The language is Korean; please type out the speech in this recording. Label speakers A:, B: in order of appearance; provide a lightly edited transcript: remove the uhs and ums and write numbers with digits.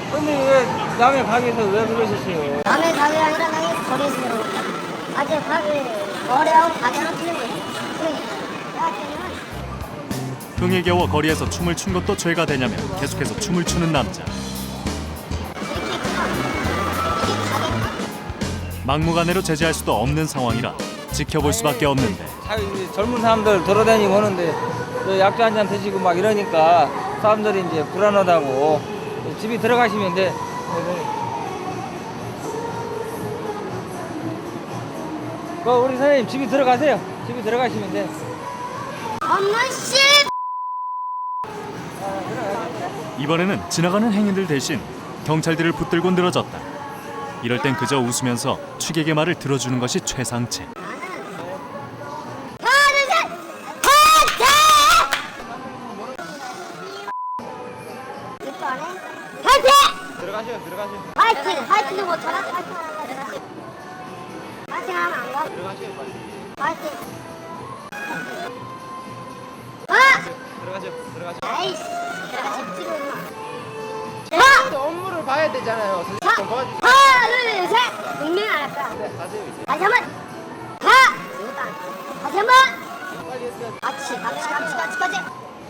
A: 근데 왜 남의 가게에서 왜 그러셨어요?
B: 남의 가게 아니라 남의 거리에서 들어오니까. 아직 가게, 거래하고 가게는 틀린 거지. 그러니까. 야, 걔는
C: 흥에 겨워 거리에서 춤을 춘 것도 죄가 되냐며 계속해서 춤을 추는 남자. 막무가내로 제재할 수도 없는 상황이라 지켜볼 수밖에 없는데
A: 젊은 사람들 돌아다니고 하는데 약주 한잔 드시고 막 이러니까 사람들이 이제 불안하다고 집에 들어가시면 돼. 우리 선생님 집에 들어가세요. 집에 들어가시면 돼.
B: 엄마 씨!
C: 이번에는 지나가는 행인들 대신 경찰들을 붙들고 늘어졌다. 이럴 땐 그저 웃으면서 취객의 말을 들어주는 것이 최상책.
A: 들어가세요.
B: 화이팅 못하나? 화이팅 하면 안 가?
A: 들어가세요 빨리.
B: 화이팅.
A: 들어가세요.
B: 아이씨, 들어가시 찍어 임마.
A: 업무를 봐야 되잖아요. 선생님 좀 도와주세요.
B: 하나, 둘, 셋. 분명히 안 할까?
A: 네, 가세요 이제.
B: 다시 한 번. 하나, 다시 한 번.
A: 빨리 했어요.
B: 같이.